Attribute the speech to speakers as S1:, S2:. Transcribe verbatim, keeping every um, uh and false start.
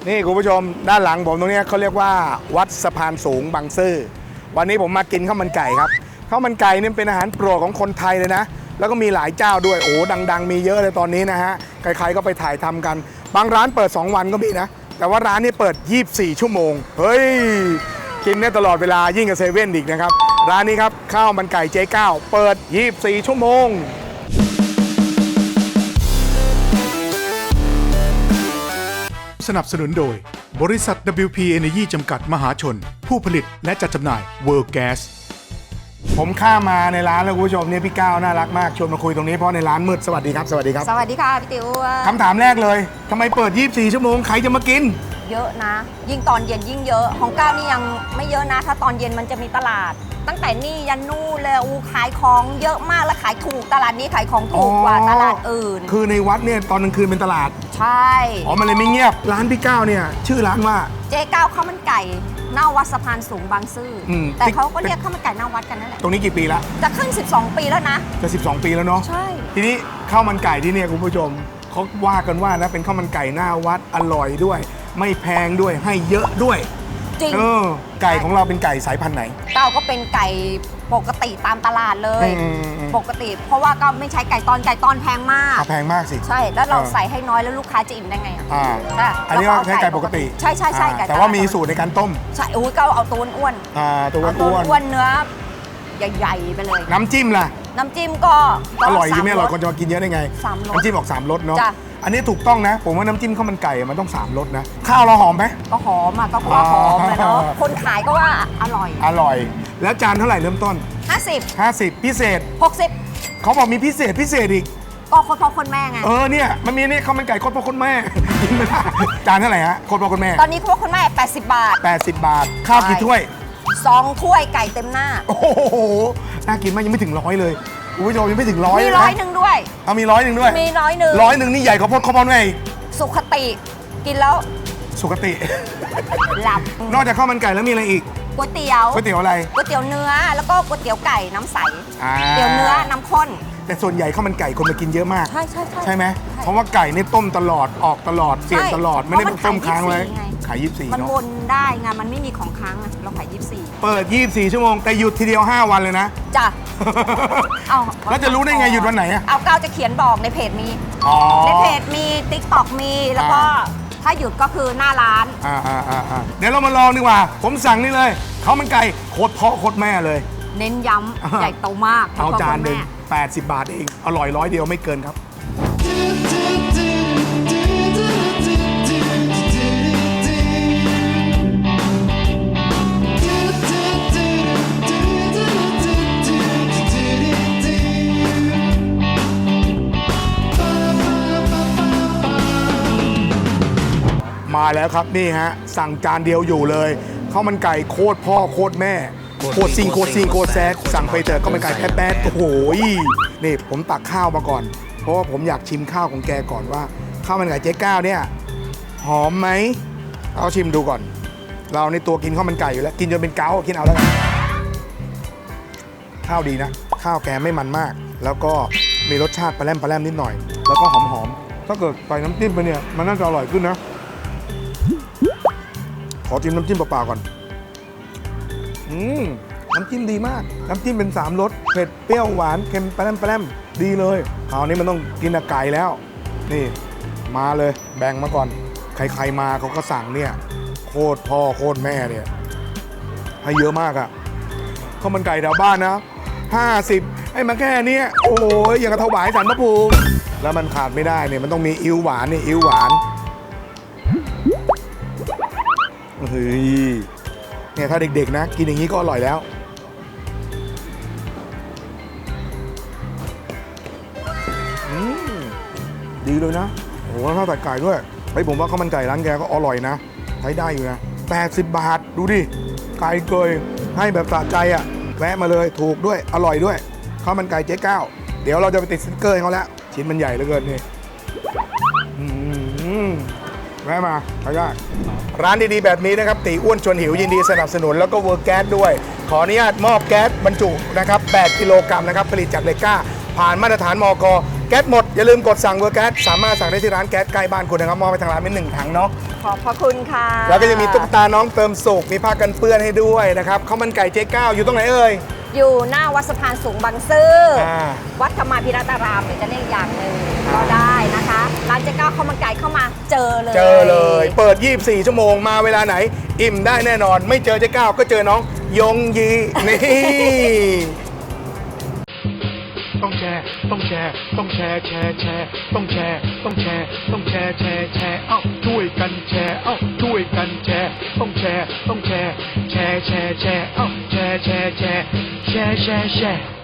S1: นี่คุณผู้ชมด้านหลังผมตรงนี้เขาเรียกว่าวัดสะพานสูงบางซื่อวันนี้ผมมากินข้าวมันไก่ครับข้าวมันไก่นี่เป็นอาหารโปรดของคนไทยเลยนะแล้วก็มีหลายเจ้าด้วยโอ้ดังๆมีเยอะเลยตอนนี้นะฮะใครๆก็ไปถ่ายทำกันบางร้านเปิดสองวันก็มีนะแต่ว่าร้านนี้เปิดยี่สิบสี่ชั่วโมงเฮ้ยกินได้ตลอดเวลายิ่งกับเซเว่นอีกนะครับร้านนี้ครับข้าวมันไก่เจ๊ก้าวเปิดยี่สิบสี่ชั่วโมง
S2: สนับสนุนโดยบริษัท ดับเบิลยู พี Energy จำกัดมหาชนผู้ผลิตและจัดจำหน่าย World Gas
S1: ผมข้ามมาในร้านแล้วคุณผู้ชมเนี่ยพี่ก้าวน่ารักมากชวนมาคุยตรงนี้เพราะในร้านมืดสวัสดีครับสวัสดีครับ
S3: สวัสดีค่ะพี่ติ๋ว
S1: คำถามแรกเลยทำไมเปิดยี่สิบสี่ชั่วโมงใครจะมากิน
S3: เยอะนะ ยิ่งตอนเย็นยิ่งเยอะของก้าวนี่ยังไม่เยอะนะถ้าตอนเย็นมันจะมีตลาด ตั้งแต่นี่ยันนู่นเลยอูขายของเยอะมากและขายถูกตลาดนี้ขายของถูกกว่าตลาดอื่น
S1: คือในวัดเนี่ยตอนกลางคืนเป็นตลาด
S3: ใช่
S1: อ๋อมันเลยไม่เงียบร้านพี่ก้าวเนี่ยชื่อร้านว่า
S3: เจ๊ก้าวข้าวมันไก่หน้าวัดสะพานสูงบางซื่ออ
S1: ม
S3: แต่เขาก็เรียกข้าวมันไก่หน้าวัดกันนั่นแหละ
S1: ตรงนี้กี่ปีละ
S3: จะขึ้นสิบสองปีแล้วนะ
S1: จะสิบสองปีแล้วเนาะ
S3: ใช่
S1: ทีนี้ข้าวมันไก่ที่เนี่ยคุณผู้ชมเขาว่ากันว่านะเป็นข้าวมันไก่หน้าวัดอร่อยด้วยไม่แพงด้วยให้เยอะด้วย
S3: จริง
S1: เออไก่ของเราเป็นไก่สายพันธุ์ไหน
S3: ก้าวก็เป็นไก่ปกติตามตลาดเลยปกติเพราะว่าก็ไม่ใช้ไก่ตอนไก่ตอนแพงมาก
S1: แพงมากสิ
S3: ใช่แล้วเราใส่ให้น้อยแล้วลูกค้าจะอิ่มได้ไงอ่ะ
S1: อันนี้ก็ใช้ไก่ปกติ
S3: ใช่ใช่ใช่ไก่
S1: แต่ว่ามีสูตรในการต้ม
S3: ใช่อุ้ยก็เอาตัวอ้วน
S1: อ่าตัวอ้วน
S3: อ้วนเนื้อใหญ่ๆไปเลย
S1: น้ำจิ้มล่ะ
S3: น้ำจิ้มก็
S1: อร่อยใช่ไหมอร่อยคนจะมากินเยอะได้ไงน้ำจิ้มออกสามรสเนาะอันนี้ถูกต้องนะผมว่าน้ำจิ้มข้าวมันไก่มันต้องสามรสนะข้าวเราหอมไหม
S3: ก็หอมอ่ะก็ว่าหอมเลยเนาะคนขายก็ว่าอร่อย
S1: อร่อยแล้วจานเท่าไหร่เริ่มต้น
S3: ห้าสิบ
S1: ห้าสิบพิเศษ
S3: หกสิบ
S1: เขาบอกมีพิเศษพิเศษอีก
S3: ก็คนพ่อคนแม่ไง
S1: เออเนี่ยมันมีนี่ข้าวมันไก่คนพ่อคนแม่กินไม่ได้จานเท่าไหร่ฮะคนพ่อคนแม่
S3: ตอนนี้คนพ่อคนแม่แปดสิบบาท
S1: แปดสิบบาทข้าวกี่ถ้วย
S3: สองถ้วยไก่เต็มหน้า
S1: โอ้โหน่ากินมากยังไม่ถึงร้อยเลยคุณผู้ชมยังไม่ถึงร้อย
S3: มีร้อยหนึ่งด้วย
S1: เอามีร้อยหนึ่งด้วย
S3: มีร้อยหนึ่ง
S1: ร้อยหนึ่งนี่ใหญ่กว่าพ่อข้าวมันไง
S3: สุขติกินแล้ว
S1: สุขติ
S3: หลับ
S1: นอกจากข้าวมันไก่แล้วมีอะไรอีก
S3: ก๋วยเตี๋ยว
S1: ก๋วยเตี๋ยวอะไร
S3: ก๋วยเตี๋ยวเนื้อแล้วก็ก๋วยเตี๋ยวไก่น้ำใส
S1: เ
S3: ตี๋ยวเนื้อน้ำข้น
S1: แต่ส่วนใหญ่ข้าวมันไก่คนมากินเยอะมาก
S3: ใช่ใช่ใช่
S1: ใช่ไหมเพราะว่าไก่นี่ต้มตลอดออกตลอดเปลี่ยนตลอดไม่ได้ต้มค้างไว้ขายยี่สิบสี่
S3: มันวนได้ไงมันไม่มีของค้างเราขายยี่สิบสี่
S1: เปิดยี่สิบสี่ชั่วโมงแต่หยุดทีเดียวห้าวันเลยนะ
S3: จ้ะเอา
S1: แล้วจะรู้ได้ไงหยุดวันไหนอะ
S3: เอาก้าวจะเขียนบอกในเพจมีในเพจมีติ๊กต็อกมีแล้วก็ถ้าหยุดก็คือหน้าร้าน
S1: อ่าอ่าอ่าเดี๋ยวเรามาลองดีกว่าผมสั่งนี่เลยข้าวมันไก่โคตรพ่อโคตรแม่เลย
S3: เน้นย้ำใหญ่โตมาก
S1: เอาจานหนึ่งแปดสิบบาทเองอร่อยร้อยเดียวไม่เกินครับมาแล้วครับนี่ฮะสั่งจานเดียวอยู่เลยข้าวมันไก่โคตรพ่อโคตรแม่โคตรซิงโคตรซิงโคตรแซดสั่งไปเถอะข้าวมันไก่แป๊ดแป๊ดโอ้โหนี่ผมตักข้าวมาก่อนเพราะว่าผมอยากชิมข้าวของแกก่อนว่าข้าวมันไก่เจ๊ก้าวเนี่ยหอมไหมเอาชิมดูก่อนเราในตัวกินข้าวมันไก่อยู่แล้วกินจนเป็นเกากินเอาแล้วกันข้าวดีนะข้าวแกไม่มันมากแล้วก็มีรสชาติปลาแรมปลาแรมนิดหน่อยแล้วก็หอมๆถ้าเกิดใส่น้ำจิ้มไปเนี่ยมันน่าจะอร่อยขึ้นนะขอจิ้มน้ำจิ้มเปล่าๆก่อนอืมน้ำจิ้มดีมากน้ำจิ้มเป็นสามรสเผ็ดเปรี้ยวหวานเค็มแปร่มแปร่มดีเลยคราวนี้มันต้องกินกับไก่แล้วนี่มาเลยแบ่งมาก่อนใครๆมาเขาก็สั่งเนี่ยโคตรพ่อโคตรแม่เนี่ยให้เยอะมากอะข้าวมันไก่แถวบ้านนะห้าสิบให้มาแค่นี้โอ้ยอย่างกระถวายสารพระภูมิแล้วมันขาดไม่ได้เนี่ยมันต้องมีอิ๊วหวานนี่อิ๊วหวานเฮ้ยเนี่ยถ้าเด็กๆนะกินอย่างนี้ก็อร่อยแล้วอืมดีเลยนะโอ้โหข้าวตัดไก่ด้วยไอ้ผมว่าข้าวมันไก่ร้านแกก็อร่อยนะใช้ได้อยู่นะแปดสิบบาทดูดิไก่เกยให้แบบสะใจอ่ะแวะมาเลยถูกด้วยอร่อยด้วยข้าวมันไก่เจ๊ก้าวเดี๋ยวเราจะไปติดสติ๊กเกอร์ให้เขาแล้วชิ้นมันใหญ่เหลือเกินนี่แวะมาไปได้ร้านดีๆแบบนี้นะครับตีอ้วนชวนหิวยินดีสนับสนุนแล้วก็เวิร์กแก๊สด้วยขออนุญาตมอบแก๊สบรรจุนะครับแปดกิโลกรัมนะครับผลิตจากเหล็กกล้าผ่านมาตรฐานมก.แก๊สหมดอย่าลืมกดสั่งเวิร์กแก๊สสามารถสั่งได้ที่ร้านแก๊สใกล้บ้านคุณนะครับมอบไปทางร้านเป็นหนึ่งถังเนาะ
S3: ขอบพระคุณค่ะ
S1: แล้วก็จะมีตุ๊กตาน้องเติมสุขมีผ้ากันเปื้อนให้ด้วยนะครับข้าวมันไก่เจ๊ก้าวอยู่ตรงไหนเอ่ย
S3: อยู่หน้าวัดสะพานสูงบางซื่ออา วัดธรรมาภิรัตารามหรือจะเรียกอย่างหนึ่ง
S1: อ่า
S3: ก็ได้นะคะร้านเจ๊ก้าวข้าวมันไก่เข้ามาเจอเลย
S1: เจอเลย เปิด ยี่สิบสี่ ชั่วโมงมาเวลาไหน อิ่มได้แน่นอน ไม่เจอเจ๊ก้าวก็เจอน้องยงยีนี่
S2: ต้องแชร์ ต้องแชร์ ต้องแชร์ แชร์ แชร์ ต้องแชร์ ต้องแชร์ ต้องแชร์ แชร์ แชร์ เอ้า ช่วยกันแชร์ เอ้า ช่วยกันแชร์ ต้องแชร์ ต้องแชร์ แชร์ แชร์ แชร์ เอ้า แชร์ แชร์ แชร์ แชร์ แชร์ แชร์